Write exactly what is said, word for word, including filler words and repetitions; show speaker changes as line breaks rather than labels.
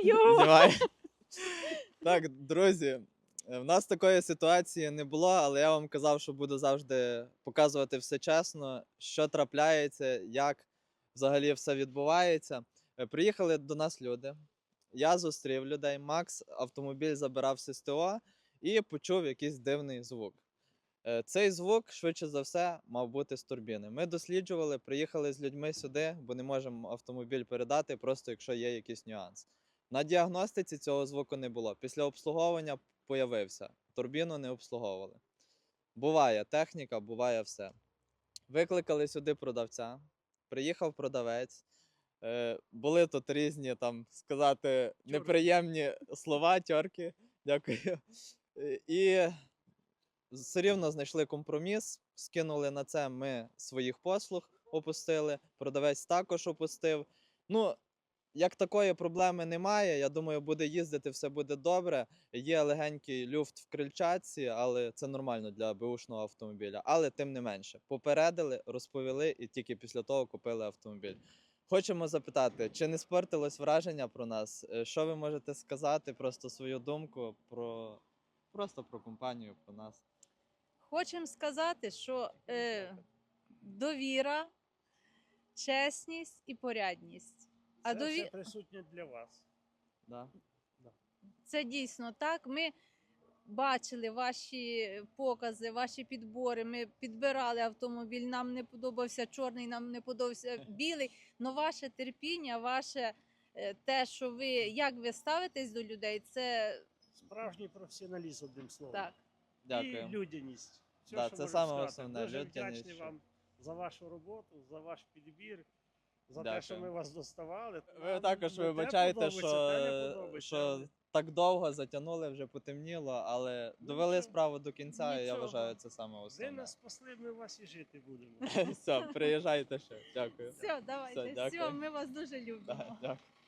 Знімаю!
Знімаю. Так, друзі, в нас такої ситуації не було, але я вам казав, що буду завжди показувати все чесно, що трапляється, як взагалі все відбувається. Е, Приїхали до нас люди, я зустрів людей, Макс автомобіль забирав з СТО і почув якийсь дивний звук. Е, Цей звук, швидше за все, мав бути з турбіни. Ми досліджували, приїхали з людьми сюди, бо не можемо автомобіль передати, просто якщо є якийсь нюанс. На діагностиці цього звуку не було. Після обслуговування появився. Турбіну не обслуговували. Буває техніка, буває все. Викликали сюди продавця, приїхав продавець. Е, були тут різні, там, сказати, неприємні слова, тьорки. Дякую. Е, І все рівно знайшли компроміс, скинули на це ми своїх послуг, опустили, продавець також опустив. Ну, як такої проблеми немає, я думаю, буде їздити, все буде добре. Є легенький люфт в крильчатці, але це нормально для беушного автомобіля. Але тим не менше, попередили, розповіли і тільки після того купили автомобіль. Хочемо запитати, чи не спортилось враження про нас? Е, Що ви можете сказати, просто свою думку про просто про компанію, про нас?
Хочемо сказати, що е, довіра, чесність і порядність. А
Це
дові...
все присутнє для вас.
Да?
Це дійсно так. Ми бачили ваші покази, ваші підбори. Ми підбирали автомобіль. Нам не подобався чорний, нам не подобався білий. Но ваше терпіння, ваше е, те, що ви як ви ставитесь до людей, це
Справжній професіоналізм, одним словом.
так.
І
Дякую.
людяність. Все,
Да,
що
це
можу
саме
сказати.
основне,
Дуже
людяність,
вдячний
що-
вам за вашу роботу, за ваш підбір, за
Дякую.
те, що ми вас доставали.
Ви
Нам
також
не те
вибачайте,
подобається,
що,
те не подобається,
що
але
так довго затягнули, вже потемніло, але
Ну,
довели
нічого.
справу до кінця, і я
Нічого.
вважаю, це саме
Ви
основне.
нас спасли, ми у вас і жити будемо.
Все, приїжджайте ще. Дякую.
Все, давайте.
Все,
Все,
дякую.
ми вас дуже любимо.
Да, дякую.